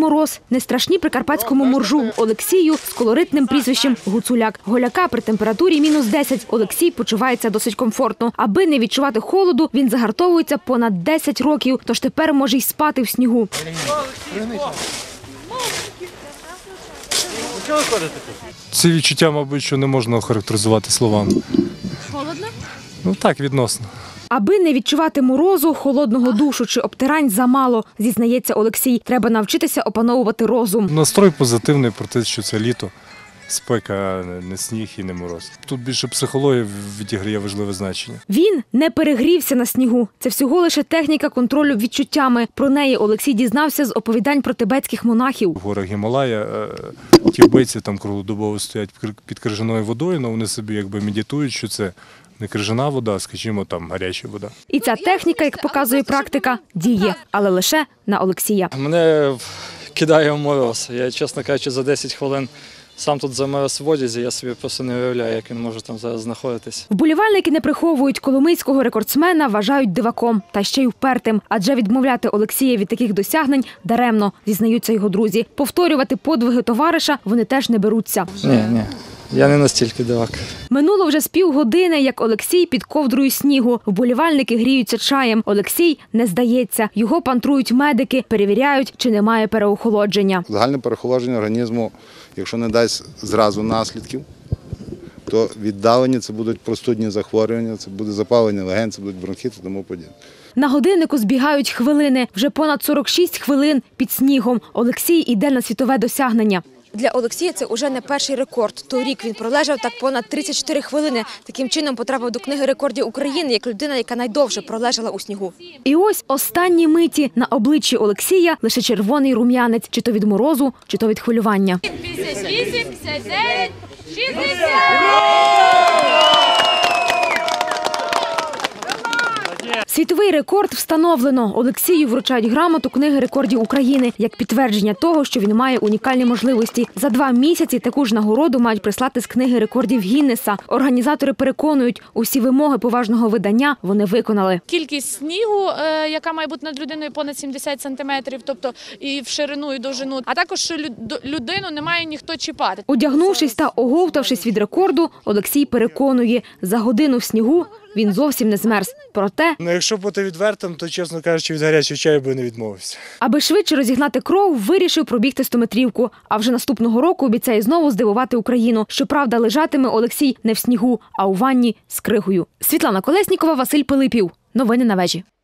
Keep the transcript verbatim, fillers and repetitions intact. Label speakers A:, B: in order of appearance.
A: мороз не страшні прикарпатському моржу Олексію з колоритним прізвищем Гуцуляк. Голяка при температурі мінус десять Олексій почувається досить комфортно. Аби не відчувати холоду, він загартовується понад десять років, тож тепер може й спати в снігу.
B: Ці відчуття, мабуть, що не можна охарактеризувати словами.
A: Холодно?
B: Ну так, відносно.
A: Аби не відчувати морозу, холодного душу чи обтирань замало, зізнається Олексій. Треба навчитися опановувати розум.
B: Настрой позитивний про те, що це літо. Спека, не сніг і не мороз. Тут більше психологія відіграє важливе значення.
A: Він не перегрівся на снігу. Це всього лише техніка контролю відчуттями. Про неї Олексій дізнався з оповідань про тибетських монахів.
B: В горах Гімалая ті вбивці там круглодобово стоять під крижаною водою, але вони собі якби медитують, що це не крижана вода, а, скажімо, там гаряча вода.
A: І ця техніка, як показує практика, діє, але лише на Олексія.
C: Мене кидає в мороз. Я, чесно кажучи, за десять хвилин сам тут замерз в одязі, я собі просто не уявляю, як він може там зараз знаходитись.
A: Вболівальники не приховують, коломийського рекордсмена вважають диваком, та ще й впертим. Адже відмовляти Олексія від таких досягнень даремно, зізнаються його друзі. Повторювати подвиги товариша вони теж не беруться.
C: Ні, ні. Я не настільки дивак.
A: Минуло вже з півгодини, як Олексій під ковдрою снігу. Вболівальники гріються чаєм. Олексій не здається. Його пантрують медики, перевіряють, чи немає переохолодження.
D: Загальне переохолодження організму, якщо не дасть зразу наслідків, то віддалені це будуть простудні захворювання, це буде запалення легень, це будуть бронхіти і тому подібне.
A: На годиннику збігають хвилини. Вже понад сорок шість хвилин під снігом. Олексій іде на світове досягнення. Для Олексія це уже не перший рекорд. Торік він пролежав так понад тридцять чотири хвилини. Таким чином потрапив до книги рекордів України як людина, яка найдовше пролежала у снігу. І ось останні миті. На обличчі Олексія лише червоний рум'янець. Чи то від морозу, чи то від хвилювання.
E: п'ятдесят вісім, п'ятдесят дев'ять, шістдесят!
A: Світовий рекорд встановлено. Олексію вручають грамоту книги рекордів України як підтвердження того, що він має унікальні можливості. За два місяці таку ж нагороду мають прислати з книги рекордів Гіннеса. Організатори переконують, усі вимоги поважного видання вони виконали.
E: Кількість снігу, яка має бути над людиною понад сімдесят сантиметрів, тобто і в ширину, і довжину, а також людину не має ніхто чіпати.
A: Одягнувшись та оговтавшись від рекорду, Олексій переконує, за годину в снігу він зовсім не змерз. Проте,
B: Ну, якщо бути відвертим, то, чесно кажучи, від гарячого чаю би не відмовився.
A: аби швидше розігнати кров, вирішив пробігти стометрівку. А вже наступного року обіцяє знову здивувати Україну. Щоправда, лежатиме Олексій не в снігу, а у ванні з кригою. Світлана Колеснікова, Василь Пилипів. Новини на вежі.